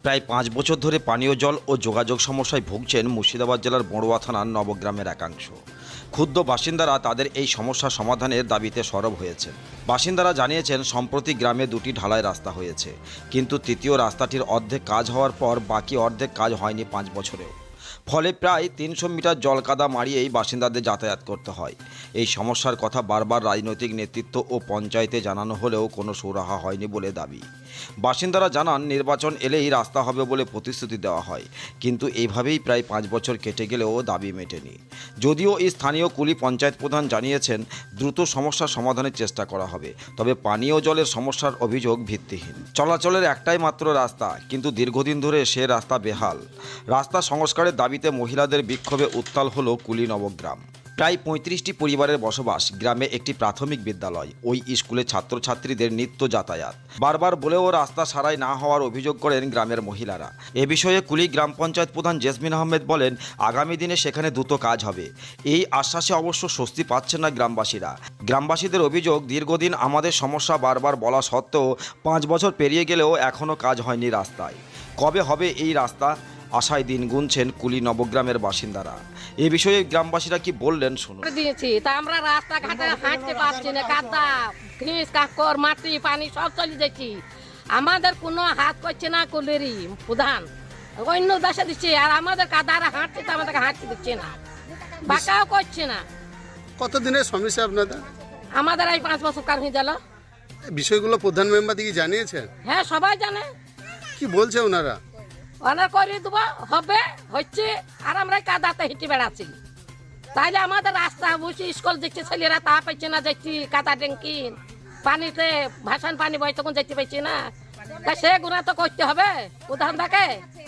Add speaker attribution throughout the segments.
Speaker 1: প্রায় 5 বছর ধরে পানীয় জল ও যোগাযোগ সমস্যায় ভুগছেন মুর্শিদাবাদ জেলার বড়ুয়া থানার নবগ্রামের একাংশ। ক্ষুব্ধ বাসিন্দারা তাদের এই সমস্যা সমাধানের দাবিতে সরব হয়েছেন। বাসিন্দারা জানিয়েছেন, সম্প্রতি গ্রামে 2টি ঢালাই রাস্তা হয়েছে, কিন্তু তৃতীয় রাস্তাটির অর্ধেক কাজ হওয়ার পর বাকি অর্ধেক কাজ হয়নি 5 বছরেও। ফলে প্রায় 300 মিটার জলকাদা মারিয়েই বাসিন্দাদের যাতায়াত করতে হয়। এই সমস্যার কথা বারবার রাজনৈতিক নেতৃত্ব ও পঞ্চায়েতে জানানো হলেও কোনো সুরাহা হয়নি বলে দাবি। বাসিন্দারা জানান, নির্বাচন এলেই রাস্তা হবে বলে প্রতিশ্রুতি দেওয়া হয়, কিন্তু এইভাবেই প্রায় 5 বছর কেটে গেলেও দাবি মেটেনি। যদিও এই স্থানীয় কুলি পঞ্চায়েত প্রধান জানিয়েছেন, দ্রুত সমস্যা সমাধানের চেষ্টা করা হবে, তবে পানীয় জলের সমস্যার অভিযোগ ভিত্তিহীন। চলাচলের একটাই মাত্র রাস্তা, কিন্তু দীর্ঘদিন ধরে সে রাস্তা বেহাল। রাস্তা সংস্কারের দাবিতে মহিলাদের বিক্ষোভে উত্তাল হলো কুলি নবগ্রাম। প্রায় 35টি পরিবারের বসবাস। গ্রামে একটি প্রাথমিক বিদ্যালয়, ওই স্কুলে ছাত্রছাত্রীদের নিত্য যাতায়াত। বারবার বলেও রাস্তা সারাই না হওয়ার অভিযোগ করেন গ্রামের মহিলারা। এ বিষয়ে কুলি গ্রাম পঞ্চায়েত প্রধান জেসমিন আহমেদ বলেন, আগামী দিনে সেখানে দ্রুত কাজ হবে। এই আশ্বাসে অবশ্য স্বস্তি পাচ্ছেন না গ্রামবাসীরা। গ্রামবাসীদের অভিযোগ, দীর্ঘদিন আমাদের সমস্যা বারবার বলা সত্ত্বেও 5 বছর পেরিয়ে গেলেও এখনও কাজ হয়নি রাস্তায়। কবে হবে এই রাস্তা, আশায় দিন গুনছেন কুলি নবগ্রামের বাসিন্দারা। এ বিষয়ে গ্রামবাসীরা কি বললেন শুনুন।
Speaker 2: দিয়েছি তা আমরা রাস্তাঘাটে হাঁটতে পারছি না, কাদা ঘিস কাকর মাটি পানি সব চলে যাচ্ছি। আমাদের কোনো হাত করছে না কুলেরই প্রধান, অন্য দেশে দিচ্ছে, আর আমাদের কাদারা হাঁটছে তো আমাদেরকে হাঁটতে দিচ্ছে না, বাঁকাও করছে না।
Speaker 3: কতদিনের সমস্যা আপনাদের?
Speaker 2: আমাদের এই 5 বছর কার হয়ে গেল।
Speaker 3: বিষয়গুলো প্রধান মেম্বার দিকে জানিয়েছেন?
Speaker 2: হ্যাঁ, সবাই জানে।
Speaker 3: কি বলছে ওনারা?
Speaker 2: অনার করে দেবো, হবে, হচ্ছে, আর আমরা কাদাতে হেঁটে বেড়াচ্ছি। তাইলে আমাদের রাস্তা বুঝছি, স্কুল দেখছি ছেলেরা তা পাইছে না, যাচ্ছি কাদা ট্যাঙ্কি পানিতে ভাসান পানি বই তখন যেতে পাইছি না। তাই সে গুণা তো করতে হবে প্রধান থাকে।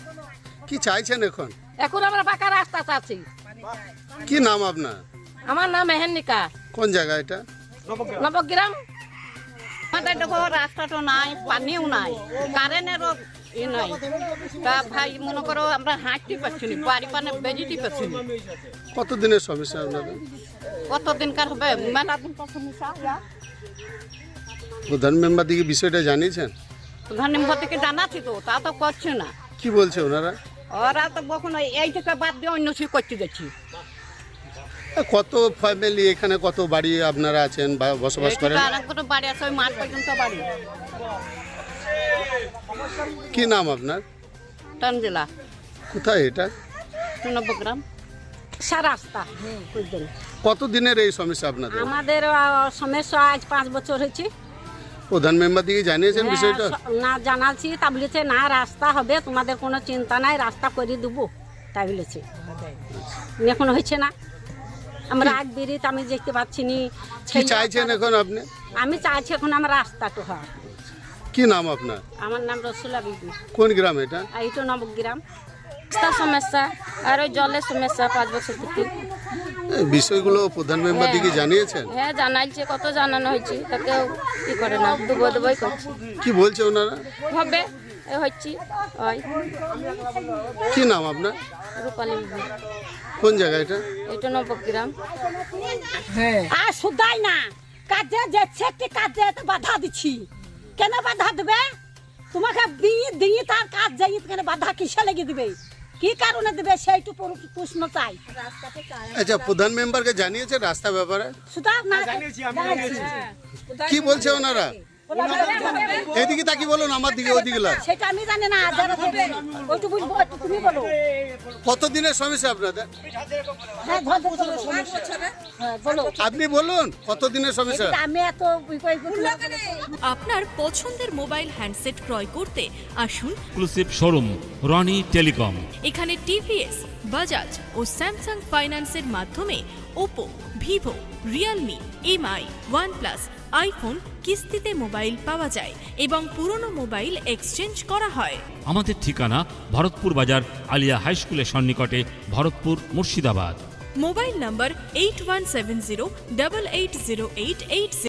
Speaker 3: কি চাইছেন এখন?
Speaker 2: এখন আমরা পাকা রাস্তা চাচ্ছি।
Speaker 3: কি নাম আপনার?
Speaker 2: আমার নাম মেহেন্নিকা।
Speaker 3: কোন জায়গা এটা?
Speaker 2: নবগ্রাম।
Speaker 4: আমাদের দেখো রাস্তাটা নাই, পানিও নাই, কারেন্টেরও নাই। তা ভাই মনে করো আমরা হাঁটতে পারছি না, বাড়ি পানে বেজিতে পারছি না।
Speaker 3: কতদিনের সমস্যা আপনাদের?
Speaker 4: কতদিনকার হবে, মেলা দিন সমস্যা।
Speaker 3: প্রধান মেম্বার দিকে বিষয়টা জানিয়েছেন?
Speaker 4: প্রধান মেম্বার থেকে জানাচ্ছি তো, তা তো করছে না।
Speaker 3: কি বলছে ওনারা?
Speaker 4: ওরা তো কখনো এই থেকে বাদ দিয়ে অন্য কিছু করতে যাচ্ছি।
Speaker 3: কত ফ্যামিলি এখানে, কত বাড়ি আপনারা আছেন বা বসবাস করেন?
Speaker 4: আর কোনো বাড়ি আছে, ওই মাঠ পর্যন্ত বাড়ি।
Speaker 3: কি নাম আপনার?
Speaker 4: টানজেলা।
Speaker 3: কোথায় এটা?
Speaker 4: নবগ্রাম।
Speaker 2: রাস্তা
Speaker 3: কতদিনের এই সমস্যা আপনাদের?
Speaker 2: আমাদের সমস্যা আজ 5 বছর হয়েছে।
Speaker 3: প্রধান মেম্বার দিকে জানিয়েছেন বিষয়টা?
Speaker 2: না জানাচ্ছি, তা বলেছে না রাস্তা হবে, তোমাদের কোনো চিন্তা নাই, রাস্তা করে দেবো, তাই বলেছে। এখন হয়েছে না, আমরা আগ বেরিয়ে আমি দেখতে পাচ্ছি নি।
Speaker 3: কি চাইছেন এখন আপনি?
Speaker 2: আমি চাইছি এখন আমার রাস্তাটা হয়।
Speaker 3: কি নাম আপনার?
Speaker 2: আমার নাম রসুলা বিবি।
Speaker 3: কোন গ্রাম এটা?
Speaker 2: এইটা নবগ্রাম। রাস্তার সমস্যা আর ওই জলের সমস্যা 5 বছর থেকে।
Speaker 3: এই বিষয়গুলো প্রধান মেম্বার দিকে জানিয়েছেন?
Speaker 2: হ্যাঁ, জানাইছে, কত জানানো হয়েছে, তাকেও কি করে না, দুবই করছে।
Speaker 3: কি বলছে ওনারা?
Speaker 2: হবে, হচ্ছে। ওই
Speaker 3: কি নাম আপনার?
Speaker 2: রূপালী বিবি।
Speaker 3: কোন জায়গা এটা?
Speaker 2: এটা নবগ্রাম।
Speaker 5: আর শুধাই না, কাজে যাচ্ছে একটি কাজে বাধা দিচ্ছি। কেন বাধা দেবে? তোমাকে দিয়ে তার কাজ যাই, কেন বাধা কিসে লেগে দিবে, কি কারণে দেবে সেইটু প্রশ্ন চাই।
Speaker 3: আচ্ছা, প্রধান মেম্বারকে জানিয়েছে রাস্তা ব্যাপারে?
Speaker 5: শুধু না
Speaker 3: কি বলছে ওনারা? এদিকে তাকি বলুন, আমার দিকে ওদিকে লাগ।
Speaker 5: সেটা আমি জানি না, যারা দেবে ওইটু বুঝবো, একটু তুমি বলো।
Speaker 3: কতদিনের সমস্যা আপনাদের?
Speaker 5: হ্যাঁ, বলো,
Speaker 3: আপনি বলুন কতদিনের সমস্যা?
Speaker 5: আমি এত
Speaker 6: আপনার পছন্দের মোবাইল হ্যান্ডসেট ক্রয় করতে আসুন
Speaker 7: এক্সক্লুসিভ শোরুম রনি টেলিকম।
Speaker 6: এখানে টিভিএস, বাজাজ ও স্যামসাং ফাইন্যান্সের মাধ্যমে Oppo, Vivo, Realme, MI, OnePlus, iPhone কিস্তিতে মোবাইল পাওয়া যায় এবং পুরনো মোবাইল এক্সচেঞ্জ করা হয়।
Speaker 7: আমাদের ঠিকানা ভরতপুর বাজার আলিয়া হাই স্কুলের সন্নিকটে, ভরতপুর, মুর্শিদাবাদ।
Speaker 6: মোবাইল নম্বর 8170880886।